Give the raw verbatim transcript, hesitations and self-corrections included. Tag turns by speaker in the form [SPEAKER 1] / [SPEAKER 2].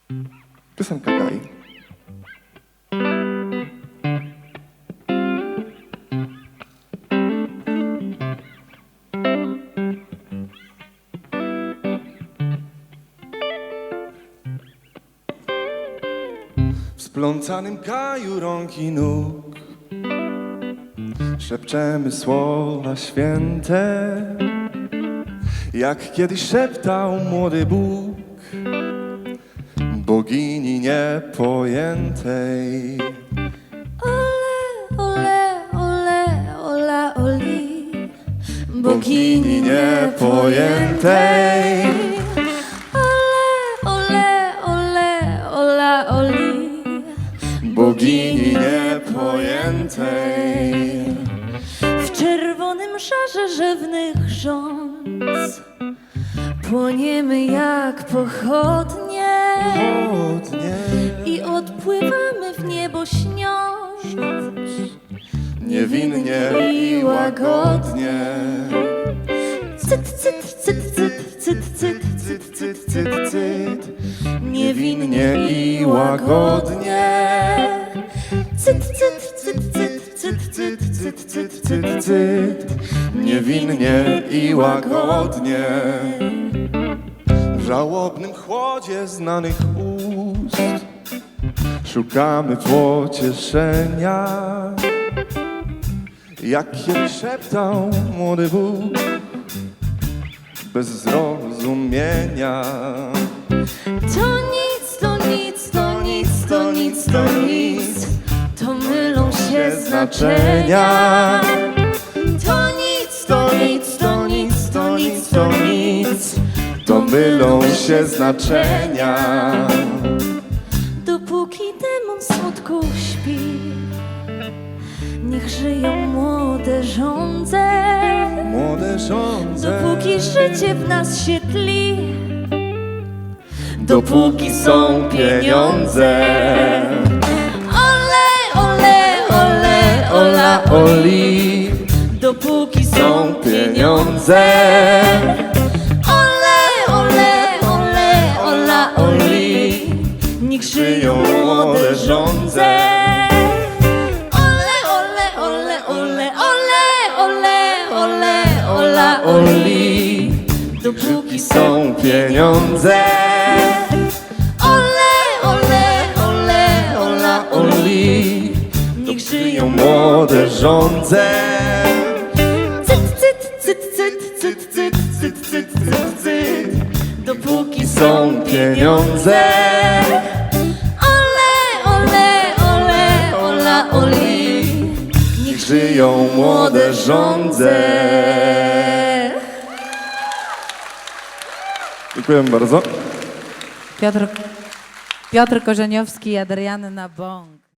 [SPEAKER 1] Piosenka Kai. W splącanym kaju rąk i nóg szepczemy słowa święte, jak kiedyś szeptał młody Bóg bogini niepojętej.
[SPEAKER 2] Ole, ole, ola, oli,
[SPEAKER 1] Bogini niepojętej.
[SPEAKER 2] Ole, ole, ola, oli,
[SPEAKER 1] Bogini niepojętej.
[SPEAKER 2] w czerwonym szarze rzewnych rządz płoniemy jak pochodnie
[SPEAKER 1] Pochodnie.
[SPEAKER 2] i odpływamy w niebo śniąc
[SPEAKER 1] Niewinnie i łagodnie.
[SPEAKER 2] Cyt, cyt, cyt, cyt, cyt, cyt,
[SPEAKER 1] Cyt, cyt, cyt, cyt. Niewinnie i łagodnie.
[SPEAKER 2] cyt, cyt, cyt, cyt, cyt,
[SPEAKER 1] Cyt, cyt, cyt, cyt, cyt. Niewinnie i łagodnie. W żałobnym chłodzie znanych ust szukamy pocieszenia, jak kiedyś szeptał młody Bóg bez zrozumienia.
[SPEAKER 2] To nic, to nic, to nic, to nic, to nic, to mylą się znaczenia. To nic, to nic, to nic, to nic, to nic,
[SPEAKER 1] To mylą się znaczenia.
[SPEAKER 2] dopóki demon smutku śpi, niech żyją młode żądze.
[SPEAKER 1] Młode żądze.
[SPEAKER 2] Dopóki życie w nas się tli,
[SPEAKER 1] Dopóki są pieniądze.
[SPEAKER 2] ole, ole, ole, ola,
[SPEAKER 1] Oli,
[SPEAKER 2] dopóki
[SPEAKER 1] są pieniądze.
[SPEAKER 2] Ole, ole, ole, ola, oli, niech żyją młode żądze. Ole, ole, ole, ole, ole, ole, ole, ola, oli, dopóki
[SPEAKER 1] Są pieniądze.
[SPEAKER 2] Ole, ole, ole, ola,
[SPEAKER 1] Oli,
[SPEAKER 2] niech żyją
[SPEAKER 1] młode żądze.
[SPEAKER 2] Cyt, cyt, cyt, cyt, cyt, cyt, cyt, cyt, cyt, cyt, dopóki
[SPEAKER 1] Są pieniądze.
[SPEAKER 2] Ole, ole, ole, ola, oli, niech
[SPEAKER 1] Żyją młode żądze. Dziękuję bardzo.
[SPEAKER 3] Piotr, Piotr Korzeniowski i Adrianna Bąk.